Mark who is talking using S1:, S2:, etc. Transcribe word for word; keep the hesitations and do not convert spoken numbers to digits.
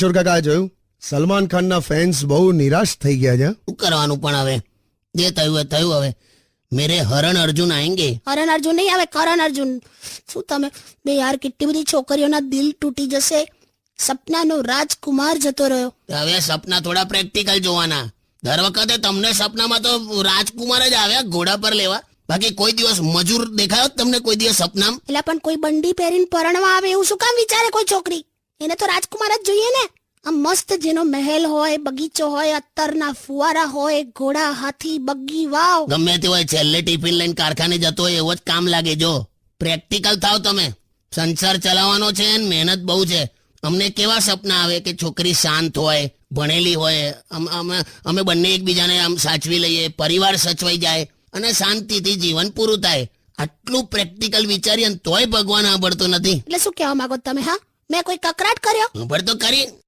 S1: કિશોર કાકા જોયું, સલમાન ખાનના ફેન્સ બહુ નિરાશ થઈ ગયા છે.
S2: શું કરવાનું પણ હવે, જે થયું એ થયું. હવે મેરે હરણ અર્જુન આएंगे.
S3: હરણ અર્જુન નહીં આવે, કરણ અર્જુન. શું તમે બે યાર, કેટલી બધી છોકરીઓના દિલ તૂટી જશે. સપનાનો રાજકુમાર જતો રહ્યો.
S2: હવે સપના થોડા પ્રેક્ટિકલ જોવાના. દર વખતે તમને સપનામાં તો રાજકુમાર જ આવ્યા ઘોડા પર લેવા, બાકી કોઈ દિવસ મજૂર દેખાયો જ તમને કોઈ દિવસ સપનામાં?
S3: એટલે પણ કોઈ બંડી પહેરીને પરણવા આવે એવું શું કામ વિચારે કોઈ છોકરી? એને તો રાજકુમાર જ જોઈએ ને. આમ મસ્ત જેનો મહેલ હોય, બગીચો હોય, અત્તરના ફુવારા હોય, ઘોડા, હાથી, બગ્ગી, વાવ.
S2: ગમે તે હોય, છેલ્લે ટિફિન લઈને કારખાને જતો હોય એવો જ કામ લાગે. જો પ્રેક્ટિકલ થાવ તમે. સંસાર ચલાવવાનો છે ને મહેનત બહુ છે. અમને કેવા સપના આવે કે છોકરી શાંત હોય, ભણેલી હોય, અમે અમે બંને એકબીજાને આમ સાચવી લઈએ, પરિવાર સચવાઈ જાય અને શાંતિથી જીવન પૂરું થાય. આટલું પ્રેક્ટિકલ વિચારીએ તોય ભગવાન સાંભળતો નથી.
S3: એટલે શું કહેવા માંગો તમે? હા, મેં કોઈ કકરાટ કર્યો?
S2: સાંભળ તો કરી.